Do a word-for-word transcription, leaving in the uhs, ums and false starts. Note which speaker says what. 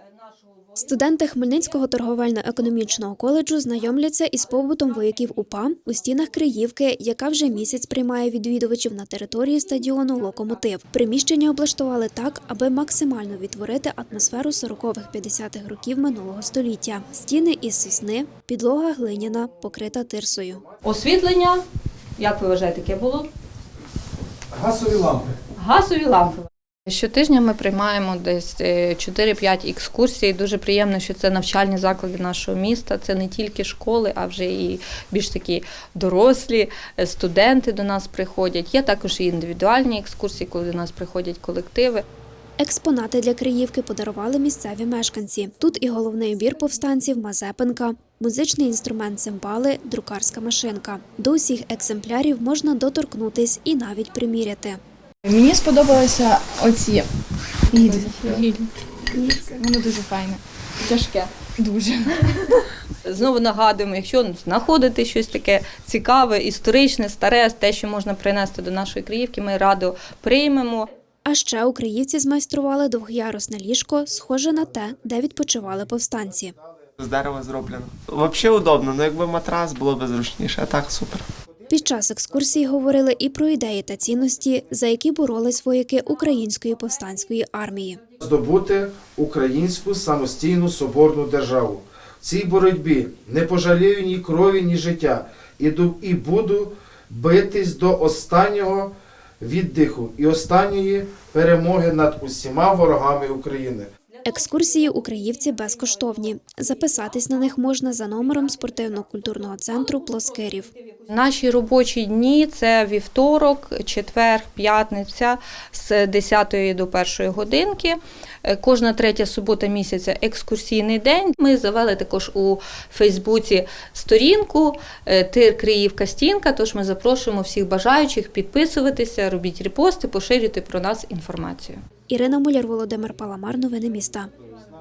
Speaker 1: Студенти Хмельницького торговельно-економічного коледжу знайомляться із побутом вояків УПА у стінах Криївки, яка вже місяць приймає відвідувачів на території стадіону «Локомотив». Приміщення облаштували так, аби максимально відтворити атмосферу сорокових-п'ятдесятих років минулого століття. Стіни із сосни, підлога глиняна, покрита тирсою.
Speaker 2: Освітлення, як ви вважаєте, яке було?
Speaker 3: Газові лампи.
Speaker 2: Газові лампи.
Speaker 4: Щотижня ми приймаємо десь чотири-п'ять екскурсій. Дуже приємно, що це навчальні заклади нашого міста. Це не тільки школи, а вже і більш такі дорослі, студенти до нас приходять. Є також і індивідуальні екскурсії, коли до нас приходять колективи.
Speaker 1: Експонати для Криївки подарували місцеві мешканці. Тут і головний убір повстанців Мазепинка, музичний інструмент цимбали, друкарська машинка. До усіх екземплярів можна доторкнутись і навіть приміряти.
Speaker 5: Мені сподобалося оці гільзи. Воно дуже файне.
Speaker 2: Тяжке.
Speaker 5: Дуже.
Speaker 2: Знову нагадуємо, якщо знаходите щось таке цікаве, історичне, старе, те, що можна принести до нашої Криївки, ми радо приймемо.
Speaker 1: А ще у Криївці змайстрували двох'ярусне ліжко, схоже на те, де відпочивали повстанці.
Speaker 6: З дерева зроблено. Взагалі удобно, але якби матрас було б зручніше, а так супер.
Speaker 1: Під час екскурсії говорили і про ідеї та цінності, за які боролись вояки Української повстанської армії.
Speaker 3: Здобути українську самостійну соборну державу. В цій боротьбі не пожалію ні крові, ні життя. Іду і буду битись до останнього віддиху і останньої перемоги над усіма ворогами України.
Speaker 1: Екскурсії у Криївці безкоштовні. Записатись на них можна за номером спортивно-культурного центру «Плоскирів».
Speaker 2: Наші робочі дні – це вівторок, четвер, п'ятниця з десятої до першої годинки. Кожна третя субота місяця – екскурсійний день. Ми завели також у Фейсбуці сторінку «Тир Криївка Стінка», тож ми запрошуємо всіх бажаючих підписуватися, робіть репости, поширюйте про нас інформацію.
Speaker 1: Ірина Муляр, Володимир Паламар. Новини міста.